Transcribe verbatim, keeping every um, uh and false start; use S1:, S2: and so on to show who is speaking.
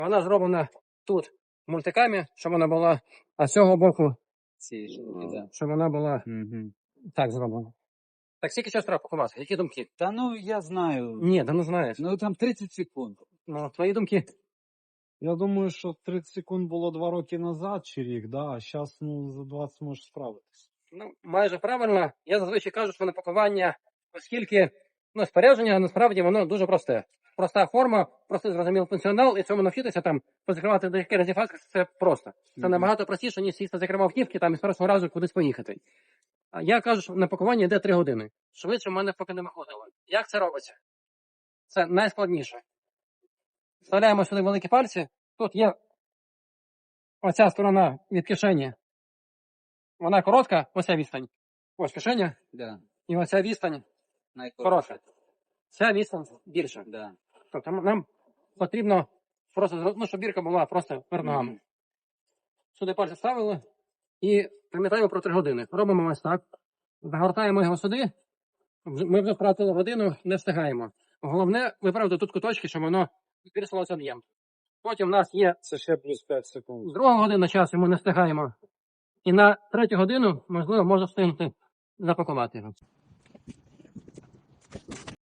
S1: Вона зроблена тут мультиками, щоб вона була, а з цього боку,
S2: Ці штуки, да.
S1: щоб вона була
S2: Угу.
S1: так зроблена. Так скільки часу треба пакувати? Які думки?
S2: Та ну я знаю.
S1: Ні, да ну знаєш.
S2: Ну там тридцять секунд.
S1: Ну, твої думки?
S3: Я думаю, що тридцять секунд було два роки назад чи рік, да, а зараз ну, за двадцять можеш справитись.
S1: Ну, майже правильно. Я зазвичай кажу, що на пакування, оскільки ну, спорядження насправді воно дуже просте. Проста форма, простий зрозумілий функціонал, і цьому навчитися там позакривати деякі разів фаски, це просто. Це
S2: Мгм.
S1: набагато простіше, ніж сісти закривав автівки там і з першого разу кудись поїхати. А я кажу, що на пакування йде три години. Швидше в мене поки не виходило. Як це робиться? Це найскладніше. Вставляємо сюди великі пальці. Тут є оця сторона від кишені. Вона коротка, оця відстань. Ось кишеня.
S2: Да.
S1: І оця відстань
S2: Найкоротше.
S1: коротка. Ця відстань більша.
S2: Да.
S1: Тобто нам потрібно просто, зро- ну, щоб бірка була просто перед ногами.
S2: Мгм.
S1: Сюди пальці ставили і пам'ятаємо про три години. Робимо ось так. Загортаємо його сюди. Вже- Ми вже втратили годину, не встигаємо. Головне виправити тут куточки, щоб воно збільшилося об'єм. Потім в нас є
S3: Це ще плюс п'ять секунд.
S1: друга година часу, ми не встигаємо. І на третю годину, можливо, можна встигнути запакувати його.